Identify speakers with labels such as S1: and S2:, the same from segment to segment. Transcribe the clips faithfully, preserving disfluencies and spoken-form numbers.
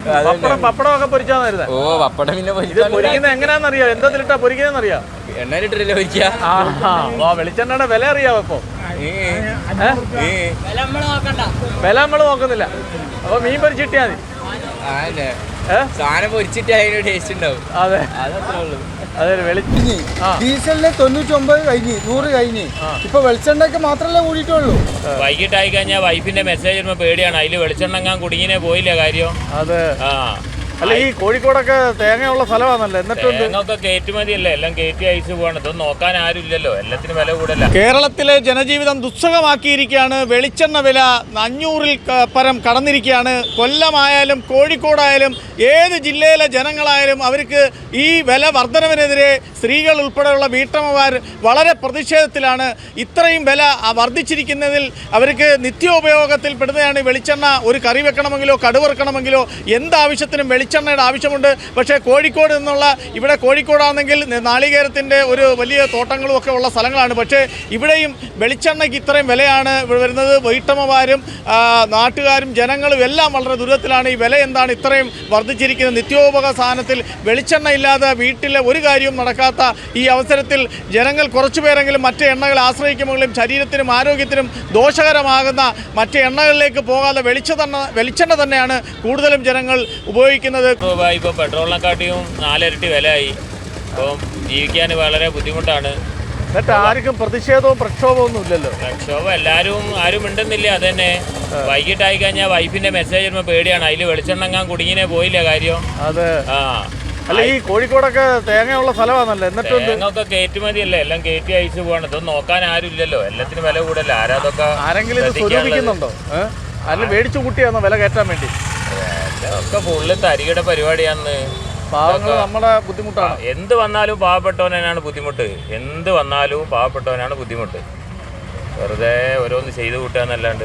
S1: പപ്പടം പപ്പടം ഒക്കെ പൊരിച്ചാന്ന് വരുന്നത്.
S2: ഓ പപ്പടം പിന്നെ
S1: പൊരിക്കുന്നത് എങ്ങനെയാണെന്നറിയാം, എന്തതിലിട്ടാ പൊരിക്കുന്നതെന്നറിയാം?
S2: എണ്ണയിലിട്ടില്ല പൊരിക്കുക.
S1: ആ വെളിച്ചെണ്ണയുടെ വില അറിയാവോ ഇപ്പൊ? വില നമ്മള് നോക്കുന്നില്ല. അപ്പൊ മീൻ പൊരിച്ചിട്ടിയാ മതി.
S2: സാധനം പൊരിച്ചിട്ട് അതിന് ടേസ്റ്റ് ഉണ്ടാവും.
S1: അതെ
S2: അതത്രേ ഉള്ളൂ.
S1: അതെ
S3: ഡീസലിന് തൊണ്ണൂറ്റൊമ്പത് കഴിഞ്ഞ് നൂറ് കഴിഞ്ഞ് ഇപ്പൊ വെളിച്ചെണ്ണയ്ക്ക് മാത്രമല്ലേ കൂടിയിട്ടുള്ളൂ.
S4: വൈകിട്ടായി കഴിഞ്ഞാൽ വൈഫിന്റെ മെസ്സേജ് വരുമ്പോ പേടിയാണ്, അതില് വെളിച്ചെണ്ണ കുടുങ്ങിനെ പോയില്ല കാര്യം.
S1: അതെ ആ അല്ല ഈ കോഴിക്കോടൊക്കെ തേങ്ങയുള്ള സ്ഥലമാണല്ലോ, എന്നിട്ടും
S4: തേങ്ങൊക്കെ കയറ്റുമതിയല്ലേ, എല്ലാം കയറ്റി അയച്ചു പോകണം. ഇതൊന്നും നോക്കാൻ ആരും ഇല്ലല്ലോ, എല്ലാത്തിനും വില കൂടല്ല.
S1: കേരളത്തിലെ ജനജീവിതം ദുസ്സഹമാക്കിയിരിക്കുകയാണ്. വെളിച്ചെണ്ണ വില അഞ്ഞൂറിൽ പരം കടന്നിരിക്കുകയാണ്. കൊല്ലമായാലും കോഴിക്കോടായാലും ഏത് ജില്ലയിലെ ജനങ്ങളായാലും അവർക്ക് ഈ വില വർധനവിനെതിരെ സ്ത്രീകൾ ഉൾപ്പെടെയുള്ള വീട്ടമ്മമാർ വളരെ പ്രതിഷേധത്തിലാണ്. ഇത്രയും വില വർദ്ധിച്ചിരിക്കുന്നതിൽ അവർക്ക് നിത്യോപയോഗത്തിൽ പെടുന്നതാണ് വെളിച്ചെണ്ണ. ഒരു കറി വെക്കണമെങ്കിലോ കടുവറുക്കണമെങ്കിലോ എന്താവശ്യത്തിനും വെളിച്ചെണ്ണയുടെ ആവശ്യമുണ്ട്. പക്ഷേ കോഴിക്കോട് നിന്നുള്ള ഇവിടെ കോഴിക്കോടാണെങ്കിൽ നാളികേരത്തിൻ്റെ ഒരു വലിയ തോട്ടങ്ങളും ഒക്കെ ഉള്ള സ്ഥലങ്ങളാണ്. പക്ഷേ ഇവിടെയും വെളിച്ചെണ്ണയ്ക്ക് ഇത്രയും വിലയാണ് വരുന്നത്. വീട്ടമ്മമാരും നാട്ടുകാരും ജനങ്ങളും എല്ലാം വളരെ ദുരിതത്തിലാണ്. ഈ വില എന്താണ് ഇത്രയും വർദ്ധിച്ചിരിക്കുന്നത്? നിത്യോപയോഗ സാധനത്തിൽ വെളിച്ചെണ്ണ ഇല്ലാതെ വീട്ടിലെ ഒരു കാര്യവും നടക്കാത്ത ഈ അവസരത്തിൽ ജനങ്ങൾ കുറച്ചുപേരെങ്കിലും മറ്റ് എണ്ണകൾ ആശ്രയിക്കുമെങ്കിലും ശരീരത്തിനും ആരോഗ്യത്തിനും ദോഷകരമാകുന്ന മറ്റ് എണ്ണകളിലേക്ക് പോകാതെ വെളിച്ചെണ്ണ വെളിച്ചെണ്ണ തന്നെയാണ് കൂടുതലും ജനങ്ങൾ ഉപയോഗിക്കുന്നത്.
S4: ഇപ്പോൾ പെട്രോളിനെക്കാട്ടിയും നാലിരട്ടി വിലയായി. അപ്പം ജീവിക്കാൻ വളരെ ബുദ്ധിമുട്ടാണ്.
S1: എന്നിട്ട് ആർക്കും പ്രതിഷേധവും പ്രക്ഷോഭവും ഒന്നും ഇല്ലല്ലോ.
S4: പ്രക്ഷോഭം എല്ലാവരും ആരും മിണ്ടുന്നില്ല. അത് തന്നെ വൈകിട്ടായി കഴിഞ്ഞാൽ വൈഫിന്റെ മെസ്സേജ് വരുമ്പോൾ പേടിയാണ്, അതിൽ വെളിച്ചെണ്ണ കുടുങ്ങിനെ പോയില്ല കാര്യം.
S1: അതെ
S4: ആ
S1: അല്ല ഈ കോഴിക്കോടൊക്കെ തേങ്ങയുള്ള സ്ഥലമാണല്ലോ, എന്നിട്ടും
S4: തേങ്ങൊക്കെ കയറ്റുമതിയല്ലേ, എല്ലാം കയറ്റി അയച്ചു പോകണം. ഇതൊന്നും നോക്കാൻ ആരും ഇല്ലല്ലോ, എല്ലാത്തിനും വില കൂടല്ല. ആരാതൊക്കെ
S1: ആരെങ്കിലും ഇത് സ്വരൂപിക്കുന്നുണ്ടോ? അല്ല മേടിച്ചു കൂട്ടിയാണോ വില കയറ്റാൻ വേണ്ടി?
S4: ഒക്കെ ഫുള്ള് തരികയുടെ പരിപാടിയാന്ന്.
S1: പാവങ്ങൾ നമ്മുടെ ബുദ്ധിമുട്ടാണ്.
S4: എന്ത് വന്നാലും പാവപ്പെട്ടവനാണ് ബുദ്ധിമുട്ട്. എന്ത് വന്നാലും പാവപ്പെട്ടവനാണ് ബുദ്ധിമുട്ട്. വെറുതെ ഓരോന്ന് ചെയ്തു കൂട്ടാന്നല്ലാണ്ട്.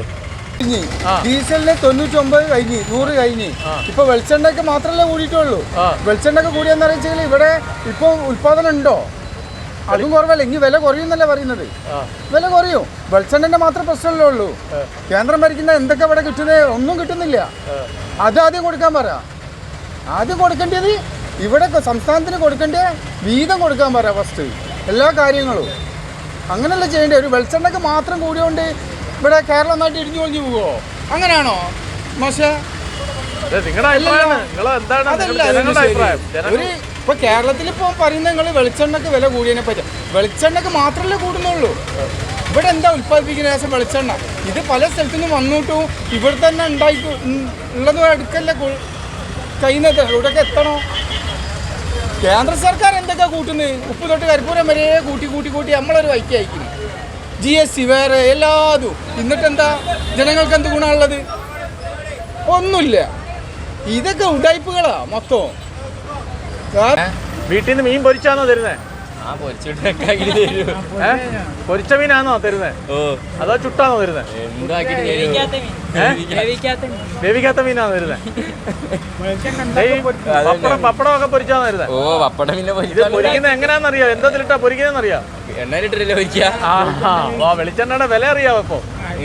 S3: ഡീസലിന് തൊണ്ണൂറ്റൊമ്പത് കഴിഞ്ഞ് നൂറ് കഴിഞ്ഞ് ഇപ്പൊ വെളിച്ചെണ്ണയ്ക്ക് മാത്രമല്ലേ കൂടിയിട്ടുള്ളൂ. വെളിച്ചെണ്ണയ്ക്ക് കൂടിയെന്ന് അറിയിച്ചാൽ ഇവിടെ ഇപ്പൊ ഉൽപാദനം ഉണ്ടോ? അതും കുറവല്ല. ഇനി വില കുറയുന്നല്ലേ പറയുന്നത്. വില കുറയും. വെളിച്ചെണ്ണന്റെ മാത്രം പ്രശ്നമല്ലേ ഉള്ളൂ. കേന്ദ്രം ഭരിക്കുന്ന എന്തൊക്കെ ഇവിടെ കിട്ടുന്നത്? ഒന്നും കിട്ടുന്നില്ല. അത് ആദ്യം കൊടുക്കാൻ പറ. ആദ്യം കൊടുക്കേണ്ടത് ഇവിടെ സംസ്ഥാനത്തിന് കൊടുക്കേണ്ട വീതം കൊടുക്കാൻ പറ ഫസ്റ്റ്, എല്ലാ കാര്യങ്ങളും. അങ്ങനെയല്ല ചെയ്യേണ്ടത്. ഒരു വെളിച്ചെണ്ണയ്ക്ക് മാത്രം കൂടിയോണ്ട് ഇവിടെ കേരളം നാട്ടിൽ ഇടിഞ്ഞു കൊഞ്ഞു പോവോ? അങ്ങനെയാണോ മോശം? ഒരു ഇപ്പൊ കേരളത്തിൽ ഇപ്പോൾ പറയുന്നത് നിങ്ങൾ വെളിച്ചെണ്ണക്ക് വില കൂടിയതിനെ പറ്റി. വെളിച്ചെണ്ണക്ക് മാത്രമല്ലേ കൂടുന്നുള്ളൂ. ഇവിടെ എന്താ ഉൽപ്പാദിപ്പിക്കുന്ന ശേഷം വെളിച്ചെണ്ണ ഇത് പല സ്ഥലത്തു നിന്നും വന്നിട്ടും ഇവിടെ തന്നെ ഉണ്ടായി ഉള്ളത് എടുക്കല്ലേ കഴിയുന്നത്. ഇവിടെയൊക്കെ എത്തണോ? കേന്ദ്ര സർക്കാർ എന്തൊക്കെയാ കൂട്ടുന്നത്? ഉപ്പ് തൊട്ട് കരിപ്പൂരം വരെ കൂട്ടി കൂട്ടി കൂട്ടി നമ്മളൊരു വൈക്ക് അയക്കുന്നു. ജി എസ് സി വേറെ എല്ലാതും. എന്നിട്ടെന്താ ജനങ്ങൾക്ക് എന്ത് ഗുണമുള്ളത്? ഒന്നുമില്ല. ഇതൊക്കെ ഉടായ്പകളാ മൊത്തം.
S1: വീട്ടിൽ നിന്ന് മീൻ പൊരിച്ചാണോ തരുന്നേ? പൊരിച്ച മീനാണോ തരുന്നേ? അതോ ചുട്ടാണോ തരുന്നേ? വേവിക്കാത്ത മീനാണോ തരുന്നേ? പപ്പടം പപ്പടം ഒക്കെ പൊരിച്ചാണോ തരുന്നേ?
S2: ഓ പപ്പടം പിന്നെ
S1: പൊരിക്കുന്നത് എങ്ങനെയാണെന്നറിയാം, എന്തതിലിട്ടാ പൊരിക്കുന്നതെന്നറിയാം?
S2: എണ്ണയിലിട്ടില്ല പൊരിക്കുക.
S1: ആ വെളിച്ചെണ്ണയുടെ വില അറിയാവോ ഇപ്പൊ?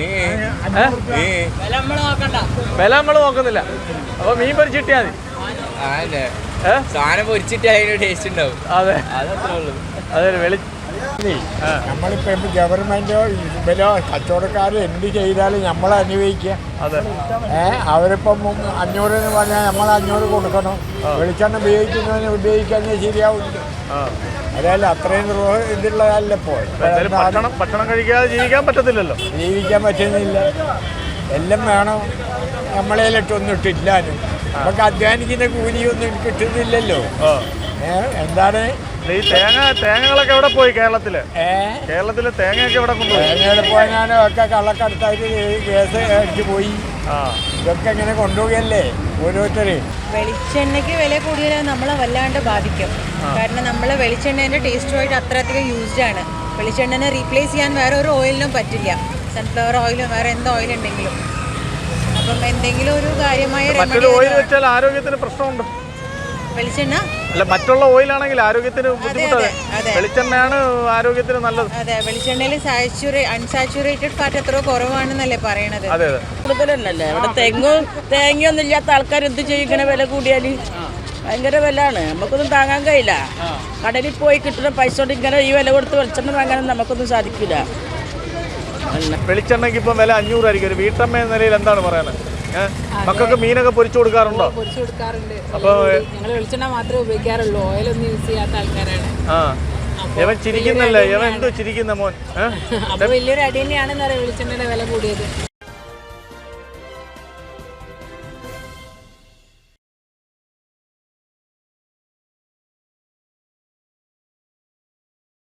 S1: വില നമ്മള് നോക്കുന്നില്ല. അപ്പൊ മീൻ പൊരിച്ചിട്ടിയാ മതി.
S2: സാധനം പൊരിച്ചിട്ട് അതിന് ടേസ്റ്റ് ഉണ്ടാവും.
S1: അതെ
S2: അതത്രേ ഉള്ളൂ.
S1: അതെ വെളി
S5: നമ്മളിപ്പോ ഗവൺമെന്റോ ഇവരോ കച്ചവടക്കാരോ എന്ത് ചെയ്താലും നമ്മൾ അനുഭവിക്കുക. ഏഹ് അവരിപ്പം അഞ്ഞൂറ് എന്ന് പറഞ്ഞാൽ നമ്മൾ അഞ്ഞൂറ് കൊടുക്കണം. വെളിച്ചെണ്ണ ഉപയോഗിക്കുന്നതിന് ഉപയോഗിക്കാൻ ശരിയാവില്ല. അതല്ല അത്രയും ഇതുള്ളതല്ല. ഇപ്പോൾ
S1: ഭക്ഷണം ഭക്ഷണം കഴിക്കാതെ ജീവിക്കാൻ പറ്റത്തില്ലല്ലോ.
S5: ജീവിക്കാൻ പറ്റുന്നില്ല. എല്ലാം വേണം. നമ്മളേലിട്ടൊന്നും ഇട്ടില്ലാനും നമുക്ക് അധ്വാനിക്കുന്ന കൂലിയൊന്നും കിട്ടുന്നില്ലല്ലോ. ഏഹ് എന്താണ്
S1: ഈ തേങ്ങ തേങ്ങകളൊക്കെ എവിടെ പോയി? കേരളത്തില് കേരളത്തില് തേങ്ങയൊക്കെ എവിടെ കൊണ്ടുപോയി?
S5: തേങ്ങ പോയാലും ഒക്കെ കള്ളക്കടത്തായിട്ട് കേസ് അടിച്ചു പോയി. ഇതൊക്കെ ഇങ്ങനെ കൊണ്ടുപോകല്ലേ ഓരോരുത്തര്.
S6: വെളിച്ചെണ്ണയ്ക്ക് വില കൂടിയാൽ നമ്മളെ വല്ലാണ്ട് ബാധിക്കും. കാരണം നമ്മളെ വെളിച്ചെണ്ണേൻ്റെ ടേസ്റ്റുമായിട്ട് അത്രയധികം യൂസ്ഡ് ആണ്. വെളിച്ചെണ്ണനെ റീപ്ലേസ് ചെയ്യാൻ വേറെ ഒരു ഓയിലിനും പറ്റില്ല. സൺഫ്ലവർ ഓയിലും വേറെ എന്ത് ഓയിൽ ഉണ്ടെങ്കിലും. അപ്പം എന്തെങ്കിലും ഒരു കാര്യമായ
S1: ഓയിൽ വെച്ചാൽ ആരോഗ്യത്തിന് പ്രശ്നമുണ്ട്.
S6: വെളിച്ചെണ്ണ
S1: അല്ല മറ്റുള്ള ഓയിലാണെങ്കിൽ ആരോഗ്യത്തിന് ബുദ്ധിമുട്ടല്ലേ?
S6: അതെ.
S1: വെളിച്ചെണ്ണയാണ് ആരോഗ്യത്തിന് നല്ലത്.
S6: അതെ, വെളിച്ചെണ്ണയിൽ സാച്ചുറേ അൺസാച്ചുറേറ്റഡ് ഫാറ്റ് എത്രയോ കുറവാണെന്നല്ലേ പറയണത്.
S1: അതെ അതെ.
S7: കൂടുതലല്ലേ ഇവിടെ തെങ്ങും തേങ്ങയൊന്നും ഇല്ലാത്ത ആൾക്കാർ എന്ത് ചെയ്യും ഇങ്ങനെ വില കൂടിയാൽ? ഭയങ്കര വിലയാണ്, നമുക്കൊന്നും താങ്ങാൻ കഴിയില്ല. കടലിൽ പോയി കിട്ടുന്ന പൈസ കൊണ്ട് ഇങ്ങനെ ഈ വില കൊടുത്ത് വെളിച്ചെണ്ണ വാങ്ങാനൊന്നും നമുക്കൊന്നും സാധിക്കില്ല.
S1: വെളിച്ചെണ്ണയ്ക്ക് ഇപ്പം വില അഞ്ഞൂറായിരിക്കും. ഒരു വീട്ടമ്മ എന്ന നിലയിൽ എന്താണ് പറയാൻ? മക്കൾക്ക് മീനൊക്കെ പൊരിച്ചു കൊടുക്കാറുണ്ടോ?
S8: പൊരിച്ചു കൊടുക്കാറുണ്ട്.
S1: അപ്പോൾ
S8: ഞങ്ങൾ വെളിച്ചെണ്ണ മാത്രമേ ഉപയോഗിക്കാറുള്ളൂ, ഓയിലൊന്നും യൂസ് ചെയ്യാത്ത ആൾക്കാരാണ്.
S1: ആ ഇവൻ ചിരിക്കുന്നല്ലേ? ഇവൻ എന്തോ ചിരിക്കുന്ന മോൻ?
S8: അപ്പൊ വലിയൊരു അടി തന്നെയാണെന്ന് അറിയാം വെളിച്ചെണ്ണയുടെ വില കൂടിയത്.